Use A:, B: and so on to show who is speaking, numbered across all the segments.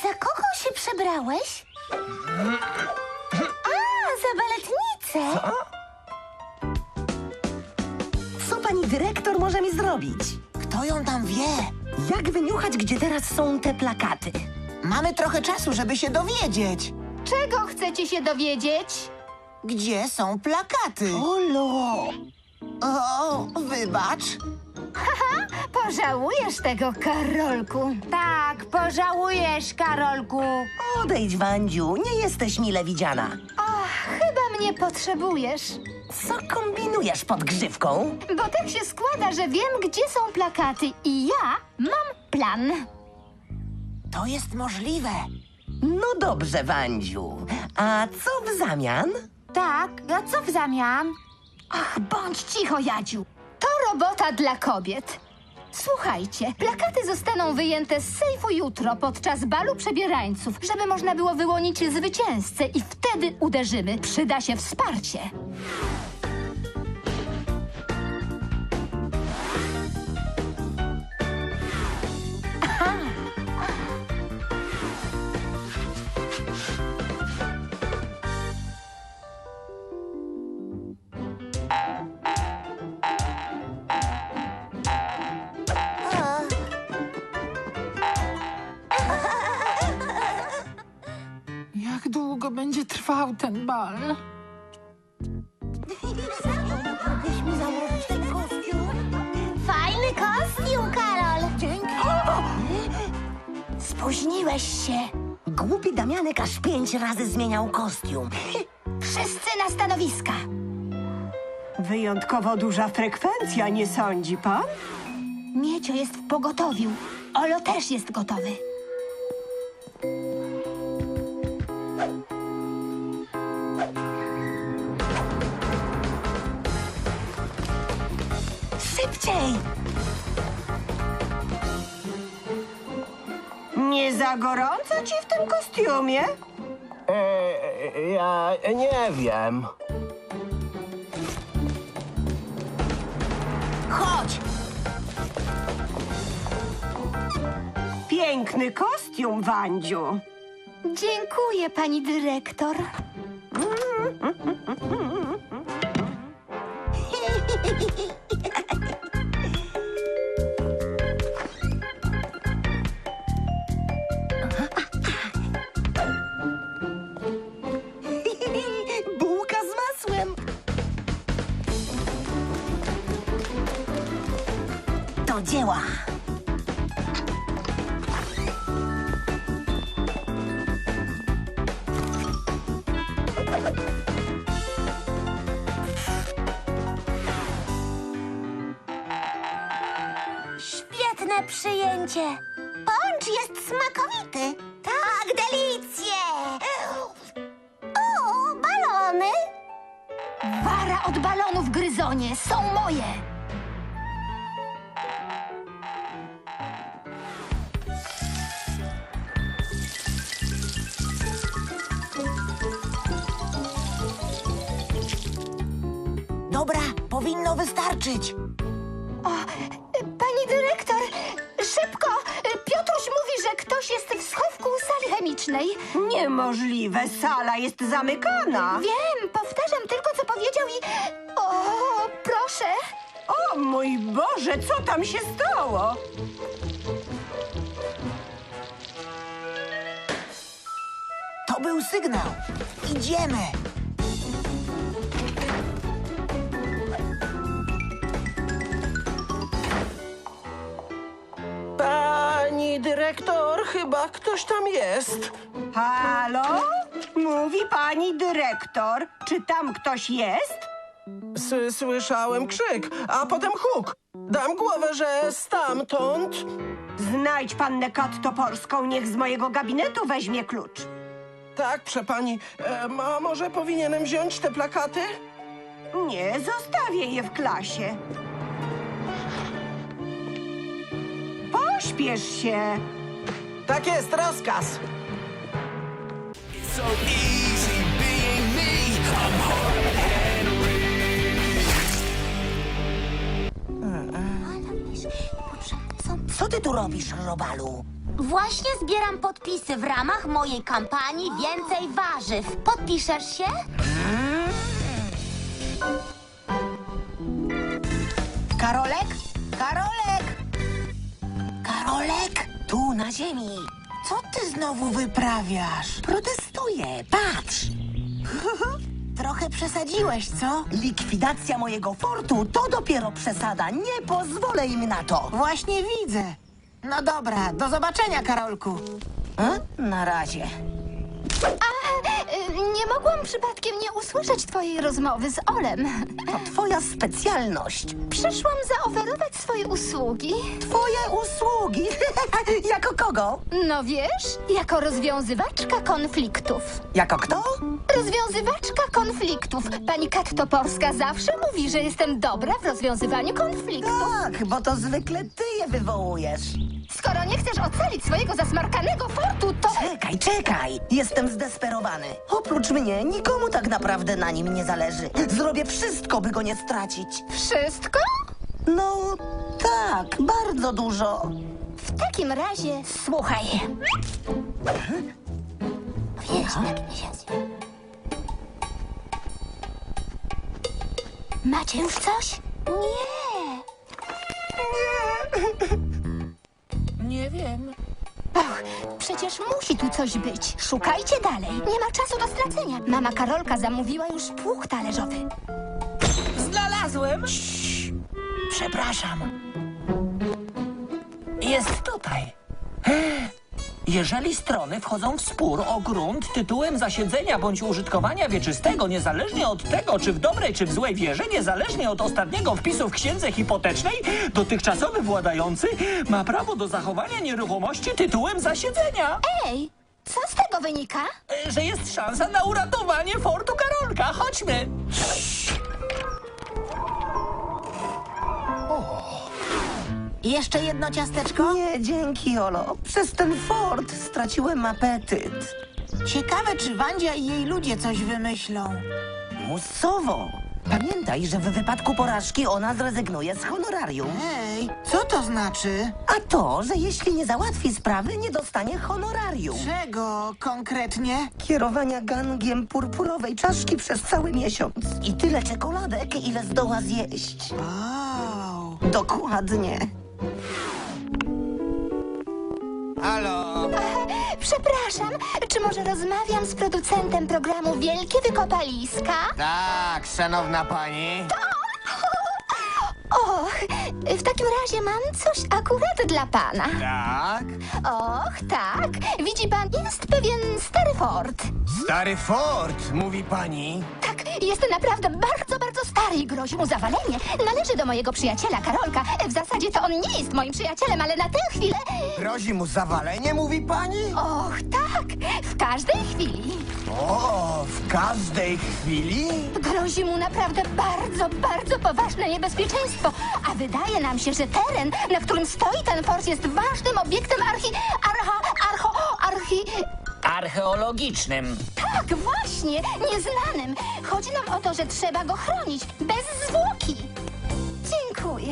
A: Za kogo się przebrałeś? A, za baletnicę.
B: Co pani dyrektor może mi zrobić?
C: Kto ją tam wie?
B: Jak wyniuchać, gdzie teraz są te plakaty?
C: Mamy trochę czasu, żeby się dowiedzieć.
A: Czego chcecie się dowiedzieć?
C: Gdzie są plakaty?
B: Olo!
C: O, wybacz.
A: Pożałujesz tego, Karolku. Tak, pożałujesz, Karolku.
B: Odejdź, Wandziu, nie jesteś mile widziana.
A: Chyba mnie potrzebujesz.
B: Co kombinujesz pod grzywką?
A: Bo tak się składa, że wiem, gdzie są plakaty i ja mam plan.
C: To jest możliwe.
B: No dobrze, Wandziu. A co w zamian?
A: Tak, a co w zamian? Ach, bądź cicho, Jadziu. To robota dla kobiet. Słuchajcie, plakaty zostaną wyjęte z sejfu jutro podczas balu przebierańców, żeby można było wyłonić zwycięzcę i wtedy uderzymy. Przyda się wsparcie.
D: Jak długo będzie trwał ten bal?
A: Fajny kostium, Karol. Dzięki. Spóźniłeś się.
B: Głupi Damianek aż 5 razy zmieniał kostium.
A: Wszyscy na stanowiska.
E: Wyjątkowo duża frekwencja, nie sądzi pan?
A: Miecio jest w pogotowiu. Olo też jest gotowy.
B: Szybciej!
E: Nie za gorąco ci w tym kostiumie?
F: Ja nie wiem.
C: Chodź!
E: Piękny kostium, Wandziu.
A: Dziękuję, pani dyrektor.
B: Bułka z masłem. Do dzieła.
A: Świetne przyjęcie. Poncz jest smakowity. Tak, delicje. O, balony. Wara od balonów, Gryzonie, są moje.
C: Dobra, powinno wystarczyć.
A: Pani dyrektor, szybko! Piotruś mówi, że ktoś jest w schowku sali chemicznej.
E: Niemożliwe, sala jest zamykana.
A: Wiem, powtarzam tylko, co powiedział i... O, proszę.
E: O mój Boże, co tam się stało?
C: To był sygnał. Idziemy.
F: Pani dyrektor, chyba ktoś tam jest.
E: Halo? Mówi pani dyrektor. Czy tam ktoś jest?
F: Słyszałem krzyk, a potem huk. Dam głowę, że stamtąd.
E: Znajdź pannę Kat Toporską, niech z mojego gabinetu weźmie klucz.
F: Tak, przepani. A może powinienem wziąć te plakaty?
E: Nie, zostawię je w klasie. Pośpiesz się.
F: Tak jest, rozkaz.
G: So easy being me. I'm hard
C: Co ty tu robisz, Robalu?
H: Właśnie zbieram podpisy w ramach mojej kampanii Więcej Warzyw. Podpiszesz się?
C: Karolek? Karolek! Karolek?
B: Tu, na ziemi.
C: Co ty znowu wyprawiasz?
B: Protestuję, patrz.
C: Trochę przesadziłeś, co?
B: Likwidacja mojego fortu to dopiero przesada. Nie pozwolę im na to.
C: Właśnie widzę. No dobra, do zobaczenia, Karolku.
B: Na razie.
A: Nie mogłam przypadkiem nie usłyszeć twojej rozmowy z Olem.
B: To twoja specjalność.
A: Przyszłam zaoferować swoje usługi.
B: Twoje usługi. Jako kogo?
A: No wiesz, jako rozwiązywaczka konfliktów.
B: Jako kto?
A: Rozwiązywaczka konfliktów. Pani Kat Toporska zawsze mówi, że jestem dobra w rozwiązywaniu konfliktów.
B: Tak, bo to zwykle ty je wywołujesz.
A: Skoro nie chcesz ocalić swojego zasmarkanego fortu, to...
B: Czekaj. Jestem zdesperowany. Oprócz mnie nikomu tak naprawdę na nim nie zależy. Zrobię wszystko, by go nie stracić.
A: Wszystko?
B: No tak, bardzo dużo.
A: W takim razie słuchaj. Macie już coś? Nie.
D: Nie wiem.
A: Och, przecież musi tu coś być. Szukajcie dalej. Nie ma czasu do stracenia. Mama Karolka zamówiła już pług talerzowy.
B: Znalazłem. Przepraszam. Jest tutaj.
I: Jeżeli strony wchodzą w spór o grunt tytułem zasiedzenia bądź użytkowania wieczystego, niezależnie od tego, czy w dobrej, czy w złej wierze, niezależnie od ostatniego wpisu w księdze hipotecznej, dotychczasowy władający ma prawo do zachowania nieruchomości tytułem zasiedzenia.
A: Ej, co z tego wynika?
I: Że jest szansa na uratowanie fortu Karolka. Chodźmy.
C: Jeszcze jedno ciasteczko?
B: Nie, dzięki, Olo. Przez ten fort straciłem apetyt.
C: Ciekawe, czy Wandzia i jej ludzie coś wymyślą.
B: Musowo. Pamiętaj, że w wypadku porażki ona zrezygnuje z honorarium.
C: Ej, co to znaczy?
B: A to, że jeśli nie załatwi sprawy, nie dostanie honorarium.
C: Czego konkretnie?
B: Kierowania gangiem purpurowej czaszki przez cały miesiąc. I tyle czekoladek, ile zdoła zjeść.
C: Wow.
B: Dokładnie.
J: Halo?
A: Przepraszam, czy może rozmawiam z producentem programu Wielkie Wykopaliska?
J: Tak, szanowna pani.
A: Och, w takim razie mam coś akurat dla pana.
J: Tak?
A: Och, tak. Widzi pan, jest pewien stary fort.
J: Stary fort, mówi pani.
A: Tak, jest naprawdę bardzo, bardzo stary i grozi mu zawalenie. Należy do mojego przyjaciela Karolka. W zasadzie to on nie jest moim przyjacielem, ale na tę chwilę...
J: Grozi mu zawalenie, mówi pani?
A: Och, tak, w każdej chwili.
J: O, w każdej chwili?
A: Grozi mu naprawdę bardzo, bardzo poważne niebezpieczeństwo. A wydaje nam się, że teren, na którym stoi ten fort, jest ważnym obiektem
I: Archeologicznym.
A: Tak, właśnie, nieznanym. Chodzi nam o to, że trzeba go chronić, bez zwłoki. Dziękuję.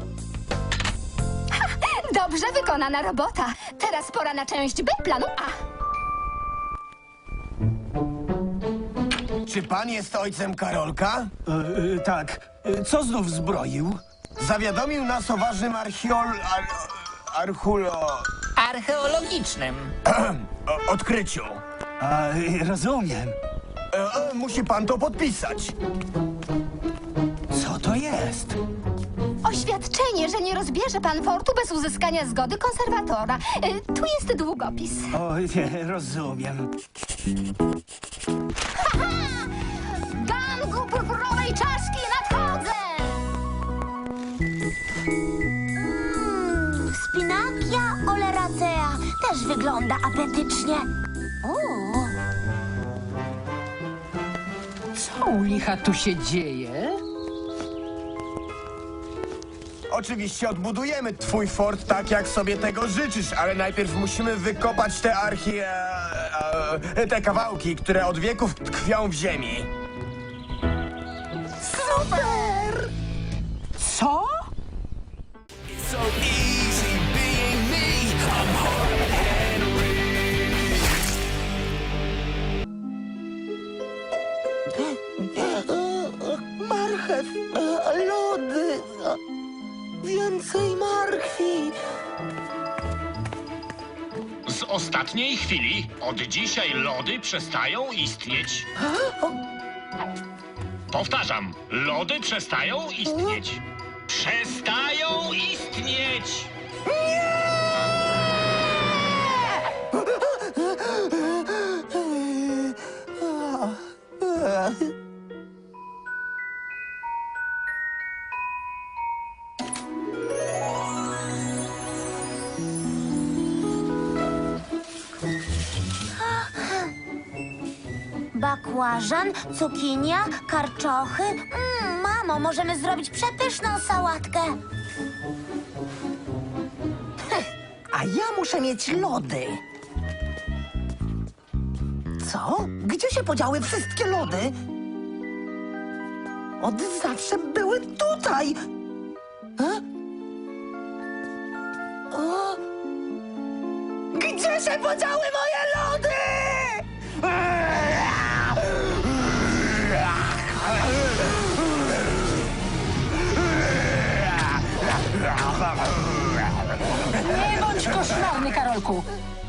A: Ha, dobrze wykonana robota. Teraz pora na część B planu A.
J: Czy pan jest ojcem Karolka?
I: Tak. Co znów zbroił?
J: Zawiadomił nas o ważnym
I: Archeologicznym.
J: odkryciu.
I: Rozumiem.
J: Musi pan to podpisać.
I: Co to jest?
A: Oświadczenie, że nie rozbierze pan fortu bez uzyskania zgody konserwatora. Tu jest długopis.
I: Oj, rozumiem.
A: Gangu purpurowej czaszki nadchodzę!
H: Spinakia oleracea też wygląda apetycznie.
D: Co u licha tu się dzieje?
J: Oczywiście odbudujemy twój fort tak, jak sobie tego życzysz, ale najpierw musimy wykopać te te kawałki, które od wieków tkwią w ziemi.
D: Co?
G: So easy being me. I'm hard
K: z ostatniej chwili. Od dzisiaj lody przestają istnieć. Powtarzam, lody przestają istnieć. Przestają istnieć!
H: Bakłażan, cukinia, karczochy. Mamo, możemy zrobić przepyszną sałatkę.
B: A ja muszę mieć lody. Co? Gdzie się podziały wszystkie lody? Od zawsze były tutaj. Gdzie się podziały moje lody?
D: Nie bądź koszmarny, Karolku.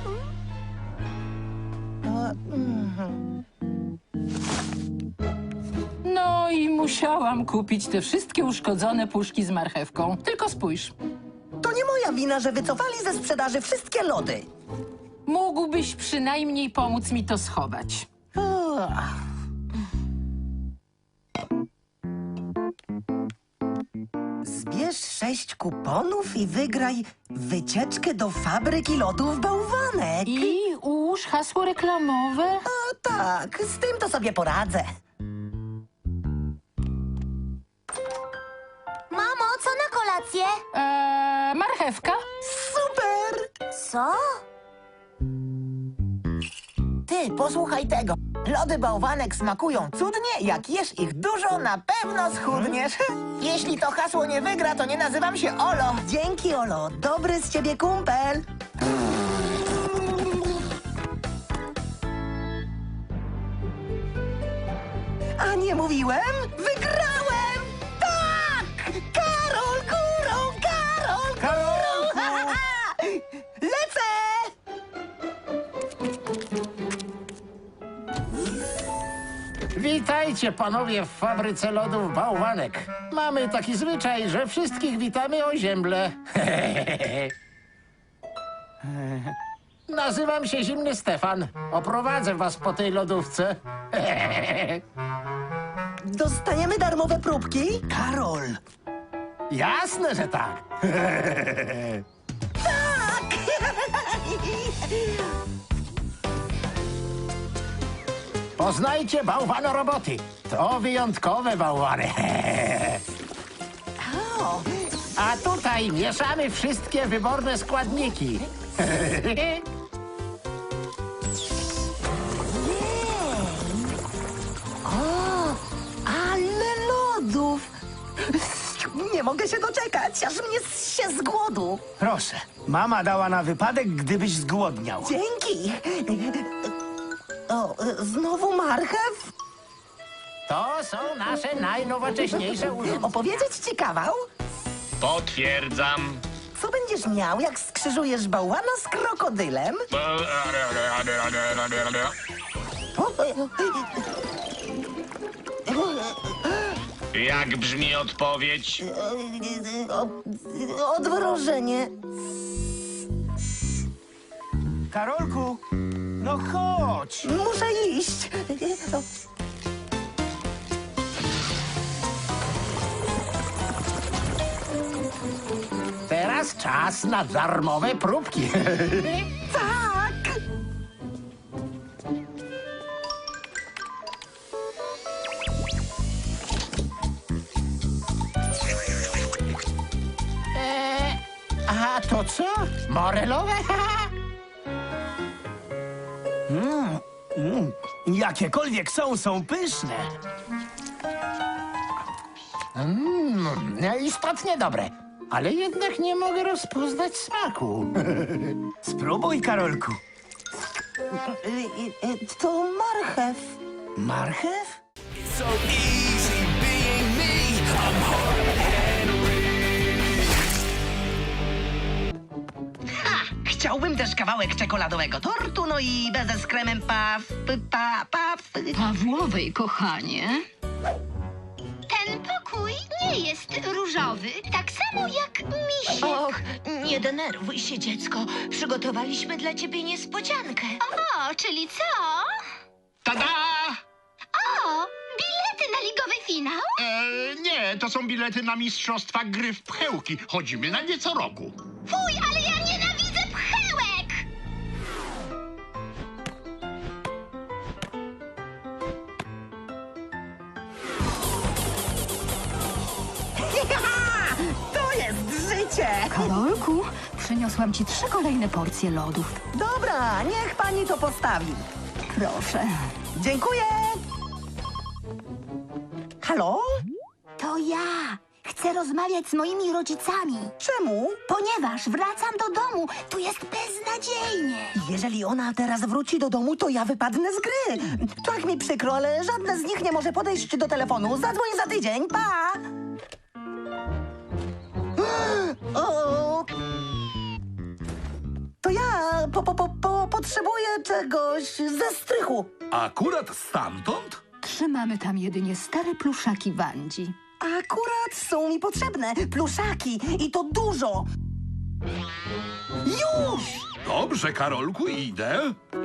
D: No i musiałam kupić te wszystkie uszkodzone puszki z marchewką. Tylko spójrz.
B: To nie moja wina, że wycofali ze sprzedaży wszystkie lody.
D: Mógłbyś przynajmniej pomóc mi to schować.
B: Zbierz 6 kuponów i wygraj wycieczkę do fabryki lodów Bałwanek.
D: I ułóż hasło reklamowe.
B: A tak, z tym to sobie poradzę.
H: Mamo, co na kolację?
D: Marchewka?
B: Super!
H: Co?
C: Ty, posłuchaj tego. Lody bałwanek smakują cudnie, jak jesz ich dużo, na pewno schudniesz. Jeśli to hasło nie wygra, to nie nazywam się Olo.
B: Dzięki, Olo. Dobry z ciebie kumpel. A nie mówiłem? Wygrałem! Tak! Karol górą! Karol górą! Lecę!
L: Witajcie panowie w fabryce lodów Bałwanek. Mamy taki zwyczaj, że wszystkich witamy o ziemble. Nazywam się Zimny Stefan. Oprowadzę was po tej lodówce.
B: Dostaniemy darmowe próbki? Karol!
L: Jasne, że tak.
B: Tak!
L: Poznajcie bałwanoroboty. To wyjątkowe bałwany. A tutaj mieszamy wszystkie wyborne składniki.
B: Ale lodów! Nie mogę się doczekać, aż mnie zsie z głodu.
J: Proszę, mama dała na wypadek, gdybyś zgłodniał.
B: Dzięki. O, znowu marchew?
L: To są nasze najnowocześniejsze urządzenia.
B: Opowiedzieć ci kawał?
K: Potwierdzam.
B: Co będziesz miał, jak skrzyżujesz bałwana z krokodylem?
K: Jak brzmi odpowiedź?
B: Odmrożenie.
J: Karolku, no chodź.
B: Muszę iść.
L: Teraz czas na darmowe próbki.
B: Tak!
L: A to co? Morelowe?
J: Jakiekolwiek są pyszne.
L: Istotnie dobre, ale jednak nie mogę rozpoznać smaku.
J: Spróbuj, Karolku.
B: To marchew.
J: Marchew?
G: So easy being me. I'm hard to handle.
B: Chciałbym też kawałek czekoladowego tortu, no i bezę z kremem
A: Pawłowej, kochanie. Ten pokój nie jest różowy, tak samo jak misiek.
H: Och, nie denerwuj się, dziecko. Przygotowaliśmy dla ciebie niespodziankę.
A: O, czyli co?
K: Tada!
A: O, bilety na ligowy finał?
K: Nie, to są bilety na mistrzostwa gry w pchełki. Chodzimy na nie co roku.
A: Fuj, ale ja nienawidzę pchełek!
B: To jest życie!
A: Karolku, przyniosłam ci 3 kolejne porcje lodów.
B: Dobra, niech pani to postawi.
A: Proszę.
B: Dziękuję! Halo?
H: To ja. Chcę rozmawiać z moimi rodzicami.
B: Czemu?
H: Ponieważ wracam do domu. Tu jest beznadziejnie.
B: Jeżeli ona teraz wróci do domu, to ja wypadnę z gry. Tak mi przykro, ale żadne z nich nie może podejść do telefonu. Zadzwoń za tydzień, pa! O! To ja potrzebuję czegoś ze strychu.
M: Akurat stamtąd?
A: Trzymamy tam jedynie stare pluszaki Wandzi.
B: Akurat są mi potrzebne pluszaki i to dużo. Już!
M: Dobrze, Karolku, idę.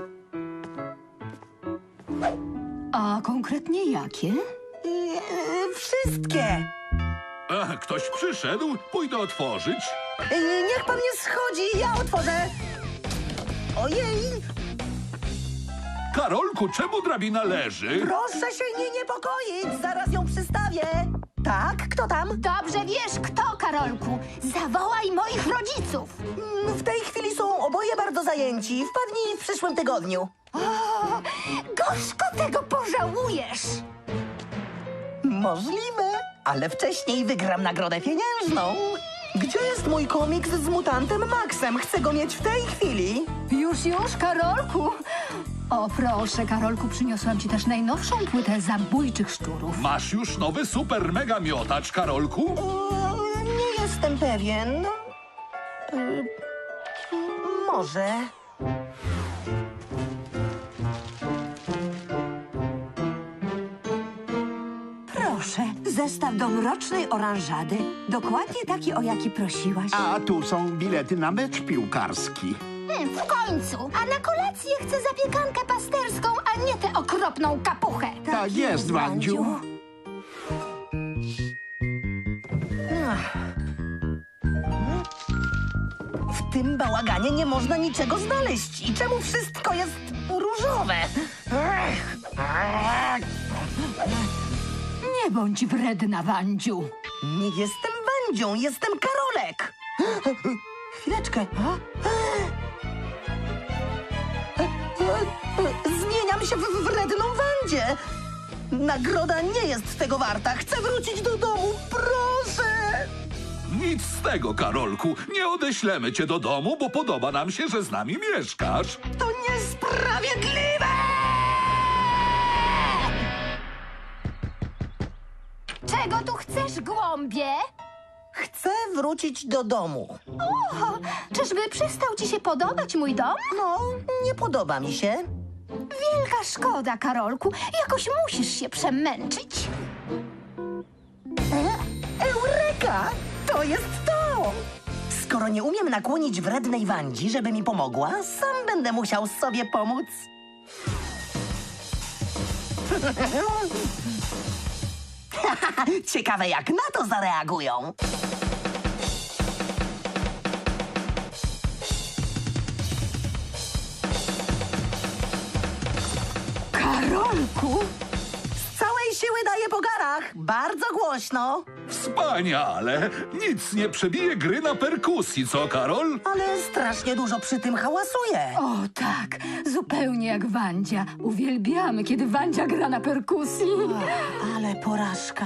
A: A konkretnie jakie?
B: Wszystkie.
M: Ktoś przyszedł, pójdę otworzyć.
B: Niech pan nie schodzi, ja otworzę. Ojej!
M: Karolku, czemu drabina leży?
B: Proszę się nie niepokoić, zaraz ją przystawię. Tak, kto tam?
A: Dobrze wiesz kto, Karolku. Zawołaj moich rodziców.
B: W tej chwili są oboje bardzo zajęci. Wpadnij w przyszłym tygodniu.
A: O, gorzko tego pożałujesz.
B: Możliwe, ale wcześniej wygram nagrodę pieniężną. Gdzie jest mój komiks z mutantem Maxem? Chcę go mieć w tej chwili.
A: Już, Karolku. O, proszę, Karolku, przyniosłam ci też najnowszą płytę zabójczych szczurów.
M: Masz już nowy super mega miotacz, Karolku?
B: Nie jestem pewien. Może.
E: Proszę, zestaw do mrocznej oranżady. Dokładnie taki, o jaki prosiłaś.
L: A tu są bilety na mecz piłkarski.
A: W końcu. A na kolację chcę zapiekankę pasterską, a nie tę okropną kapuchę.
L: Tak jest, Wandziu.
B: W tym bałaganie nie można niczego znaleźć. I czemu wszystko jest różowe?
A: Nie bądź wredna, Wandziu.
B: Nie jestem Wandzią, jestem Karolek. Chwileczkę. Zmieniam się w wredną Wandzię. Nagroda nie jest tego warta. Chcę wrócić do domu, proszę.
M: Nic z tego, Karolku. Nie odeślemy cię do domu, bo podoba nam się, że z nami mieszkasz.
B: To niesprawiedliwe!
A: Czego tu chcesz, głąbie?
B: Chcę wrócić do domu.
A: O, czyżby przestał ci się podobać mój dom?
B: No, nie podoba mi się.
A: Wielka szkoda, Karolku. Jakoś musisz się przemęczyć.
B: Eureka! To jest to! Skoro nie umiem nakłonić wrednej Wandzi, żeby mi pomogła, sam będę musiał sobie pomóc. Ciekawe, jak na to zareagują.
A: Karolku!
B: Z całej siły daję po garach. Bardzo głośno.
M: Wspaniale! Nic nie przebije gry na perkusji, co, Karol?
B: Ale strasznie dużo przy tym hałasuje.
A: O tak, zupełnie jak Wandzia. Uwielbiamy, kiedy Wandzia gra na perkusji.
B: Ale porażka.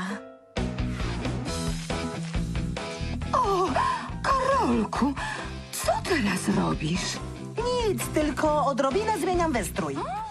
A: O, Karolku, co teraz robisz?
B: Nic, tylko odrobinę zmieniam wystrój.